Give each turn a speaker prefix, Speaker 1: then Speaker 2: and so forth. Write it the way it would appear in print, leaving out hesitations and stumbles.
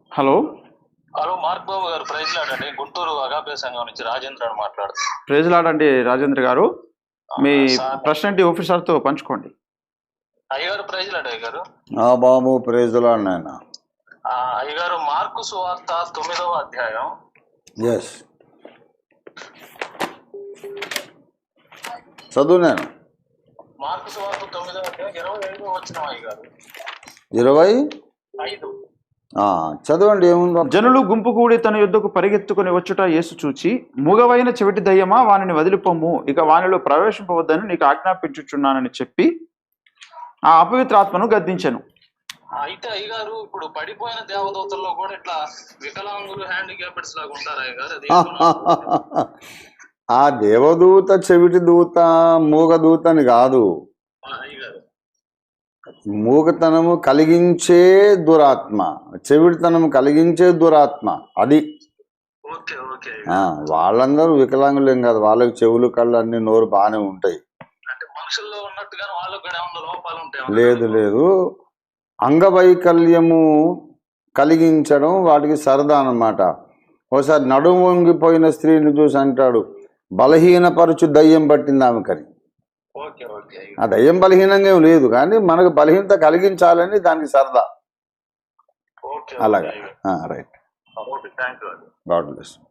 Speaker 1: Hello
Speaker 2: hello mark బాబు గారు, praise లాడండి. Guntur agape సంఘం నుంచి రాజేంద్ర మాట్లాడుతున్నాను.
Speaker 1: ప్రైజ్ లార్డ్ అండి రాజేంద్ర గారు. మీ ప్రశ్న ఏంటి ఆఫీసర్తో పంచుకోండి.
Speaker 2: అయ్యగారు ప్రైజ్ లాడ్ అయ్యగారు.
Speaker 3: బాబు ప్రైజ్ లార్డ్ నాయన.
Speaker 2: అయ్యగారు మార్కు సువార్త 9వ అధ్యాయం.
Speaker 3: ఎస్ చదువు నేను.
Speaker 2: మార్కు సువార్త 9వ అధ్యాయం 25వ వచనం అయ్యగారు.
Speaker 3: 25 చదవండి. ఏముందో.
Speaker 1: జనులు గుంపు కూడి తన యుద్ధకు పరిగెత్తుకుని వచ్చుట యేసు చూచి, మూగవైన చెవిటి దయ్యమా, వానిని వదిలిపోము, ఇక వానిలో ప్రవేశింపవద్దని నీకు ఆజ్ఞాపించుచున్నానని చెప్పి ఆ అపవిత్రాత్మను గద్దించెను.
Speaker 2: అయితే అయ్యగారు, ఇప్పుడు పడిపోయిన దేవదూతల్లో కూడా ఇట్లా వికలాంగులు, హ్యాండిక్యాప్డ్స్ లాగా ఉంటారు అయ్యగారు. అది
Speaker 3: ఆ దేవదూత చెవిటి దూత, మూగ దూత అని కాదు.
Speaker 2: అయ్యగారు,
Speaker 3: మూగతనము కలిగించే దురాత్మ, చెవిటితనము కలిగించే దురాత్మ అది.
Speaker 2: Okay okay.
Speaker 3: వాళ్ళందరూ వికలాంగులేం కాదు, వాళ్ళకి చెవులు, కళ్ళు, అన్ని, నోరు బాగానే ఉంటాయి.
Speaker 2: అంటే మనుషుల్లో ఉన్నట్టుగా వాళ్ళకి కూడా ఏమన్నా లోపాలు ఉంటాయి?
Speaker 3: లేదు లేదు, అంగవైకల్యము కలిగించడం వాటికి సరదా అన్నమాట. ఒకసారి నడుము వంగిపోయిన స్త్రీని చూసి అంటాడు, బలహీనపరచు దయ్యం పట్టింది ఆమెకని. ఆ దయ్యం బలహీనంగా ఏం లేదు, కానీ మనకు బలహీనత కలిగించాలని దానికి సరదా. అలాగా. రైట్. God bless.